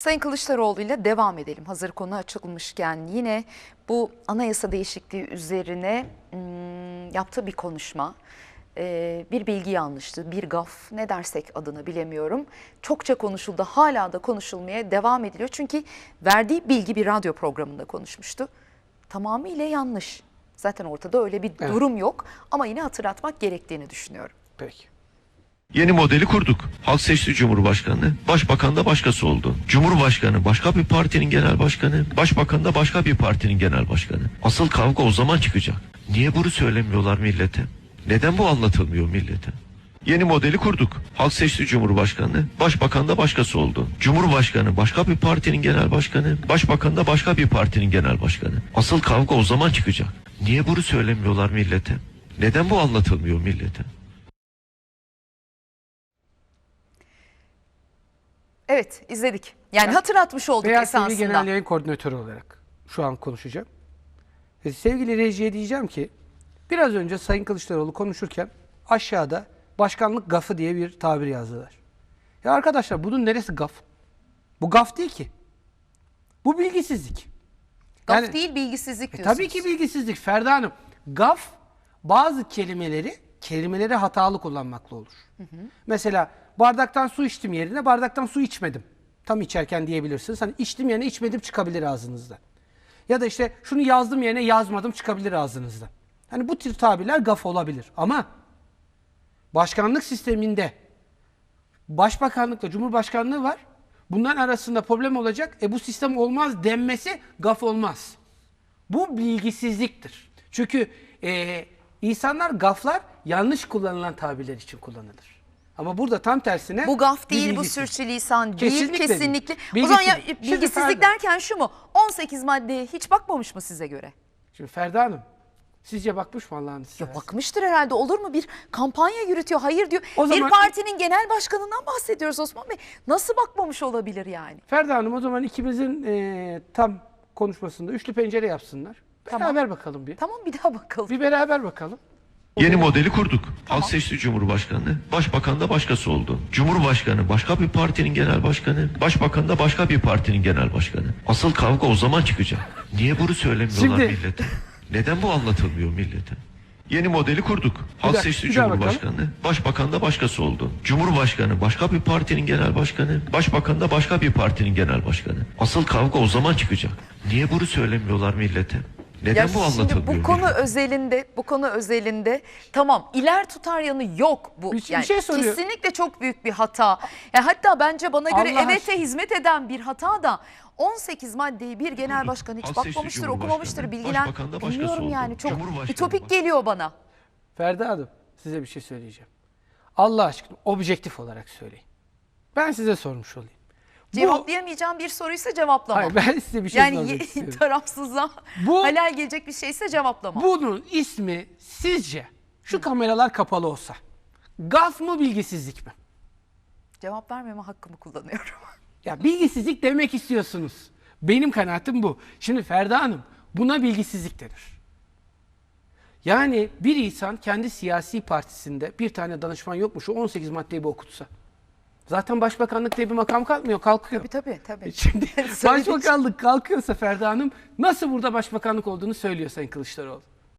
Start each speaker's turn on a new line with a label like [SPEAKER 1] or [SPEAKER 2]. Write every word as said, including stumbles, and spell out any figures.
[SPEAKER 1] Sayın Kılıçdaroğlu ile devam edelim. Hazır konu açılmışken yine bu anayasa değişikliği üzerine hmm, yaptığı bir konuşma, e, bir bilgi yanlıştı, bir gaf, ne dersek adını bilemiyorum. Çokça konuşuldu, hala da konuşulmaya devam ediliyor. Çünkü verdiği bilgi bir radyo programında konuşmuştu. Tamamıyla yanlış. Zaten ortada öyle bir
[SPEAKER 2] Evet.
[SPEAKER 1] durum yok ama yine hatırlatmak gerektiğini düşünüyorum.
[SPEAKER 2] Peki.
[SPEAKER 3] Yeni modeli kurduk. Halk seçti Cumhurbaşkanı, Başbakan da başkası oldu. Cumhurbaşkanı başka bir partinin genel başkanı, Başbakan da başka bir partinin genel başkanı. Asıl kavga o zaman çıkacak. Niye bunu söylemiyorlar millete? Neden bu anlatılmıyor millete? Yeni modeli kurduk. Halk seçti Cumhurbaşkanı, Başbakan da başkası oldu. Cumhurbaşkanı başka bir partinin genel başkanı, Başbakan da başka bir partinin genel başkanı. Asıl kavga o zaman çıkacak. Niye bunu söylemiyorlar millete? Neden bu anlatılmıyor millete?
[SPEAKER 1] Evet, izledik. Yani
[SPEAKER 2] Ben
[SPEAKER 1] hatırlatmış olduk
[SPEAKER 2] Beyaz T V
[SPEAKER 1] esasında.
[SPEAKER 2] Genel Yayın Koordinatörü olarak şu an konuşacağım. E, sevgili rejiye diyeceğim ki biraz önce Sayın Kılıçdaroğlu konuşurken aşağıda başkanlık gafı diye bir tabir yazdılar. Ya arkadaşlar bunun neresi gaf? Bu gaf değil ki. Bu bilgisizlik.
[SPEAKER 1] Gaf
[SPEAKER 2] Yani-
[SPEAKER 1] değil, bilgisizlik
[SPEAKER 2] E,
[SPEAKER 1] diyorsunuz.
[SPEAKER 2] tabii ki bilgisizlik Ferda Hanım. Gaf bazı kelimeleri kelimeleri hatalı kullanmakla olur. Mesela bardaktan su içtim yerine bardaktan su içmedim. Tam içerken diyebilirsiniz. Hani içtim yerine içmedim çıkabilir ağzınızdan. Ya da işte şunu yazdım yerine yazmadım çıkabilir ağzınızdan. Hani bu tür tabirler gaf olabilir. Ama başkanlık sisteminde başbakanlıkla cumhurbaşkanlığı var. Bunların arasında problem olacak. E bu sistem olmaz denmesi gaf olmaz. Bu bilgisizliktir. Çünkü e, insanlar gaflar yanlış kullanılan tabirler için kullanılır. Ama burada tam tersine
[SPEAKER 1] Bu gaf
[SPEAKER 2] bir
[SPEAKER 1] değil, bu
[SPEAKER 2] bilgisizlik.
[SPEAKER 1] sürçülisan değil,
[SPEAKER 2] Kesinlikle
[SPEAKER 1] kesinlikle.
[SPEAKER 2] değil.
[SPEAKER 1] O zaman ya,
[SPEAKER 2] Bilgisizlik. Şimdi
[SPEAKER 1] bilgisizlik
[SPEAKER 2] Ferda-
[SPEAKER 1] derken şu mu? on sekiz maddeye hiç bakmamış mı size göre?
[SPEAKER 2] Şimdi Ferda Hanım, sizce bakmış mı Allah'ın size?
[SPEAKER 1] Ya bakmıştır herhalde, olur mu? Bir kampanya yürütüyor, hayır diyor.
[SPEAKER 2] O
[SPEAKER 1] bir
[SPEAKER 2] zaman-
[SPEAKER 1] partinin genel başkanından bahsediyoruz Osman Bey. Nasıl bakmamış olabilir yani?
[SPEAKER 2] Ferda Hanım o zaman ikimizin e, tam konuşmasında üçlü pencere yapsınlar.
[SPEAKER 1] Tamam.
[SPEAKER 2] Beraber bakalım bir.
[SPEAKER 1] Tamam, bir daha bakalım.
[SPEAKER 2] Bir beraber bakalım.
[SPEAKER 3] Yeni modeli kurduk. Halk seçti Cumhurbaşkanı, Başbakan da başkası oldu. Cumhurbaşkanı başka bir partinin genel başkanı, Başbakan da başka bir partinin genel başkanı. Asıl kavga o zaman çıkacak. Niye bunu söylemiyorlar
[SPEAKER 2] Şimdi-
[SPEAKER 3] millete? Neden bu anlatılmıyor millete? Yeni modeli kurduk. Halk
[SPEAKER 2] daha-
[SPEAKER 3] seçti
[SPEAKER 2] bir daha
[SPEAKER 3] Cumhurbaşkanı, Başbakan da başkası oldu. Cumhurbaşkanı başka bir partinin genel başkanı, Başbakan da başka bir partinin genel başkanı. Asıl kavga o zaman çıkacak. Niye bunu söylemiyorlar millete? Neden
[SPEAKER 1] Ya
[SPEAKER 3] bu
[SPEAKER 1] şimdi
[SPEAKER 3] anlatılmıyor
[SPEAKER 1] bu konu
[SPEAKER 3] millete?
[SPEAKER 1] özelinde, bu konu özelinde tamam, iler tutar yanı yok bu.
[SPEAKER 2] Bir- bir
[SPEAKER 1] yani
[SPEAKER 2] şey soruyor.
[SPEAKER 1] kesinlikle çok büyük bir hata. Ya hatta bence bana göre
[SPEAKER 2] Allah
[SPEAKER 1] evete
[SPEAKER 2] aşkına.
[SPEAKER 1] hizmet eden bir hata da on sekiz maddeyi bir genel başkan hiç
[SPEAKER 3] Halk seçti
[SPEAKER 1] bakmamıştır,
[SPEAKER 3] Cumhurbaşkanı,
[SPEAKER 1] okumamıştır, bilgilen
[SPEAKER 3] Başbakan da başkası
[SPEAKER 1] bilmiyorum
[SPEAKER 3] oldu.
[SPEAKER 1] yani, çok
[SPEAKER 3] Cumhurbaşkanı
[SPEAKER 1] ütopik
[SPEAKER 3] baş-
[SPEAKER 1] geliyor bana.
[SPEAKER 2] Ferda Hanım size bir şey söyleyeceğim. Allah aşkına objektif olarak söyleyin. Ben size sormuş olayım. Bu-
[SPEAKER 1] Cevaplayamayacağım bir soruysa cevaplamam.
[SPEAKER 2] Hayır, ben size bir şey
[SPEAKER 1] yani
[SPEAKER 2] sormak
[SPEAKER 1] ye-
[SPEAKER 2] istiyorum.
[SPEAKER 1] tarafsızlığa
[SPEAKER 2] Bu-
[SPEAKER 1] halal gelecek bir şeyse cevaplamam.
[SPEAKER 2] Bunun ismi sizce şu kameralar kapalı olsa gaf mı bilgisizlik mi?
[SPEAKER 1] Cevap vermeme hakkımı kullanıyorum.
[SPEAKER 2] Ya bilgisizlik demek istiyorsunuz. Benim kanaatim bu. Şimdi Ferda Hanım buna bilgisizlik denir. Yani bir insan kendi siyasi partisinde bir tane danışman yokmuş o on sekiz maddeyi bir okutsa. Zaten başbakanlık diye bir makam kalkmıyor, kalkıyor.
[SPEAKER 1] Tabii tabii tabii.
[SPEAKER 2] Şimdi
[SPEAKER 1] Söylediği için-
[SPEAKER 2] başbakanlık kalkıyorsa Ferda Hanım nasıl burada başbakanlık olduğunu söylüyor Sayın Kılıçdaroğlu.